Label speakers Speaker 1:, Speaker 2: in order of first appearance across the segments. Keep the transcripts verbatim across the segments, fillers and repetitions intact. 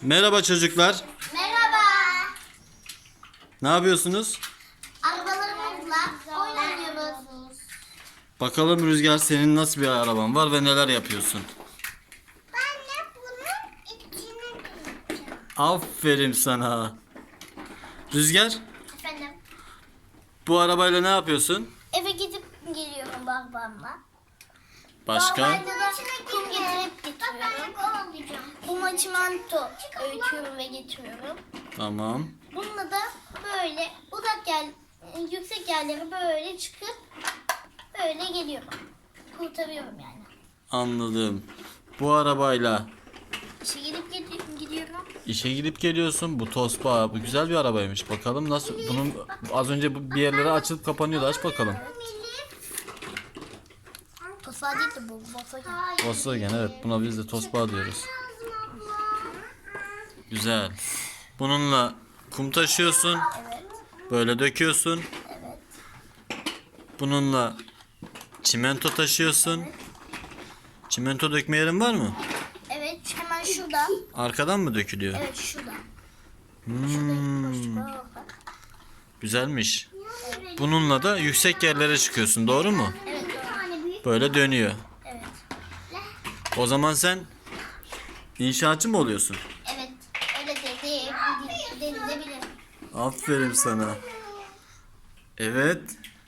Speaker 1: Merhaba çocuklar.
Speaker 2: Merhaba.
Speaker 1: Ne yapıyorsunuz?
Speaker 2: Arabalarımızla oynanıyoruz.
Speaker 1: Bakalım Rüzgar, senin nasıl bir araban var ve neler yapıyorsun?
Speaker 2: Ben de bunun içine gireceğim.
Speaker 1: Aferin sana. Rüzgar,
Speaker 2: Efendim?
Speaker 1: bu arabayla ne yapıyorsun?
Speaker 2: Eve gidip geliyorum babamla.
Speaker 1: Başka?
Speaker 2: Babamla da kum getirip getiriyorum. Kuma çimento öğütüyorum ve getiriyorum.
Speaker 1: Tamam.
Speaker 2: Bununla da böyle uzak yer, yüksek yerlere böyle çıkıp böyle geliyorum. Kurtarıyorum yani.
Speaker 1: Anladım. Bu arabayla
Speaker 2: İşe gidip gidi- gidiyorum.
Speaker 1: işe gidip geliyorsun. Bu Tosba, bu güzel bir arabaymış. Bakalım nasıl? Bunun az önce bu bir yerlere açılıp kapanıyordu. Aç bakalım.
Speaker 2: Tofa değil de bu. Volkswagen.
Speaker 1: Volkswagen, evet. Buna biz de Tosba diyoruz. Güzel. Bununla kum taşıyorsun.
Speaker 2: Evet.
Speaker 1: Böyle döküyorsun.
Speaker 2: Evet.
Speaker 1: Bununla çimento taşıyorsun. Çimento dökme yerin var mı?
Speaker 2: Evet, hemen şurada.
Speaker 1: Arkadan mı dökülüyor?
Speaker 2: Evet, şurada.
Speaker 1: Hmm,
Speaker 2: Şurada.
Speaker 1: güzelmiş. Bununla da yüksek yerlere çıkıyorsun, doğru mu?
Speaker 2: Evet, doğru.
Speaker 1: Böyle dönüyor.
Speaker 2: Evet.
Speaker 1: O zaman sen inşaatçı mı oluyorsun?
Speaker 2: Evet, öyle dedi. Denilebilir.
Speaker 1: Aferin sana. Evet.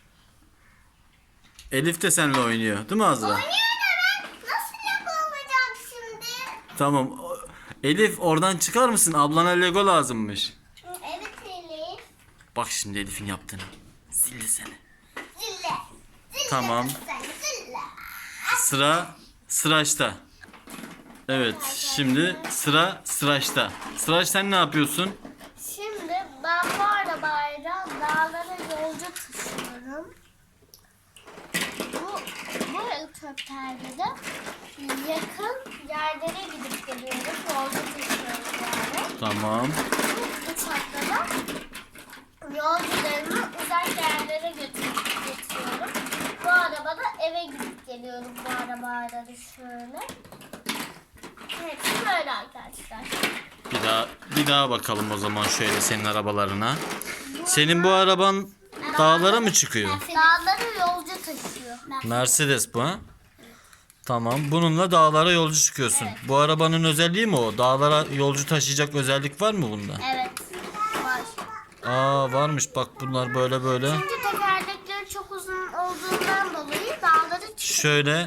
Speaker 1: Elif de seninle oynuyor, değil mi Azra?
Speaker 2: Oynuyor da ben nasıl yapılacağım şimdi?
Speaker 1: Tamam. O- Elif, oradan çıkar mısın? Ablana Lego lazımmış.
Speaker 2: Evet Elif.
Speaker 1: Bak şimdi Elif'in yaptığını. Sildi seni.
Speaker 2: Zille. Zille.
Speaker 1: Tamam.
Speaker 2: Sen zille.
Speaker 1: Sıra Sıraç'ta. Evet, şimdi sıra Sıraç'ta. Sıraç, sen ne yapıyorsun?
Speaker 2: Şimdi ben bu arabayla dağlara yolcu taşıyorum. Bu, bu helikopterle de yakın yerlere gidip geliyoruz. Yolcu taşıyoruz yani.
Speaker 1: Tamam.
Speaker 2: Bu uçakla da yolcularımı uzak yerlere götürüp getiriyorum. Bu arabada eve gidip geliyorum bu arabayla da şöyle. Hepsi böyle arkadaşlar.
Speaker 1: Bir daha bir daha bakalım o zaman şöyle senin arabalarına. Senin bu araban dağlara mı çıkıyor?
Speaker 2: Dağları yolcu taşıyor.
Speaker 1: Mercedes bu, ha? Tamam. Bununla dağlara yolcu çıkıyorsun.
Speaker 2: Evet.
Speaker 1: Bu arabanın özelliği mi o? Dağlara yolcu taşıyacak özellik var mı bunda?
Speaker 2: Evet. Var.
Speaker 1: Aa, varmış. Bak bunlar böyle böyle.
Speaker 2: Çünkü tekerlekleri çok uzun olduğundan dolayı dağları çıkıyor.
Speaker 1: Şöyle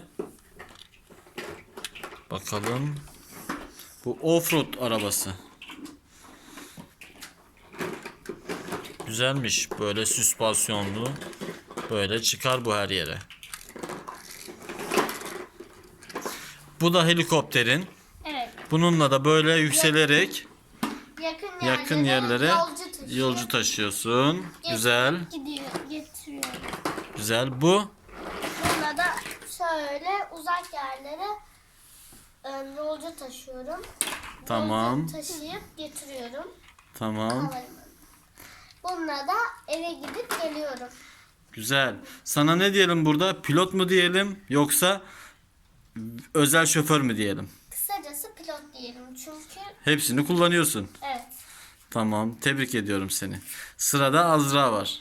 Speaker 1: bakalım. Bu offroad arabası. Güzelmiş. Böyle süspansiyonlu. Böyle çıkar bu her yere. Bu da helikopterin.
Speaker 2: Evet.
Speaker 1: Bununla da böyle yükselerek
Speaker 2: Yakın yerlere,
Speaker 1: yakın yerlere
Speaker 2: yolcu taşıyor.
Speaker 1: yolcu taşıyorsun.
Speaker 2: Get-
Speaker 1: Güzel.
Speaker 2: Gidiyor, getiriyor.
Speaker 1: Güzel. Bu
Speaker 2: Bununla da şöyle uzak yerlere e, yolcu taşıyorum.
Speaker 1: Tamam.
Speaker 2: Yolcu taşıyıp getiriyorum.
Speaker 1: tamam.
Speaker 2: Havalimanı. Bununla da eve gidip geliyorum.
Speaker 1: Güzel. Sana ne diyelim burada? Pilot mu diyelim yoksa özel şoför mü diyelim?
Speaker 2: Kısacası pilot diyelim çünkü
Speaker 1: Hepsini kullanıyorsun.
Speaker 2: evet.
Speaker 1: Tamam. Tebrik ediyorum seni. Sırada Azra var.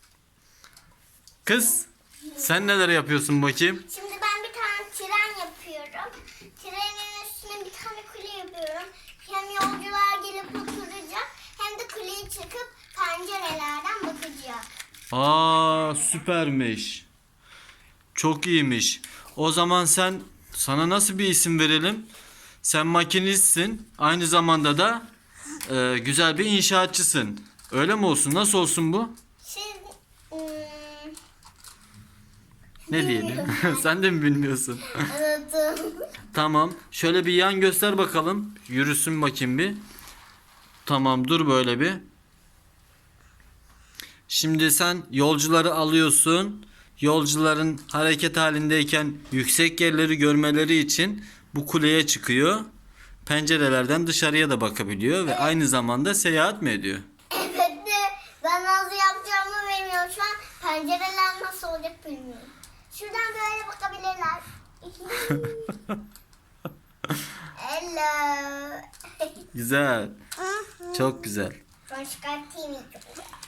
Speaker 1: Kız, sen neler yapıyorsun bakayım?
Speaker 2: Şimdi ben bir tane tren yapıyorum. Trenin üstüne bir tane kule yapıyorum. Hem yolcular gelip oturacak hem de kuleye çıkıp pencerelerden bakacak.
Speaker 1: Aa, süpermiş. Çok iyiymiş. O zaman sen sana nasıl bir isim verelim? Sen makinistsin. Aynı zamanda da e, güzel bir inşaatçısın. Öyle mi olsun? Nasıl olsun bu?
Speaker 2: Şimdi ıı,
Speaker 1: Ne diyelim? Sen de mi bilmiyorsun?
Speaker 2: anladım.
Speaker 1: Tamam. Şöyle bir yan göster bakalım. Yürüsün bakayım bir. Tamam, dur böyle bir. Şimdi sen yolcuları alıyorsun. Yolcuların hareket halindeyken yüksek yerleri görmeleri için bu kuleye çıkıyor. Pencerelerden dışarıya da bakabiliyor ve aynı zamanda seyahat mi ediyor?
Speaker 2: Evet de ben nasıl yapacağımı bilmiyorum. Şu an pencereler nasıl olacak bilmiyorum. Şuradan böyle bakabilirler. Hello.
Speaker 1: Güzel. Çok güzel.
Speaker 2: Sonra çıkartayım ilk önce.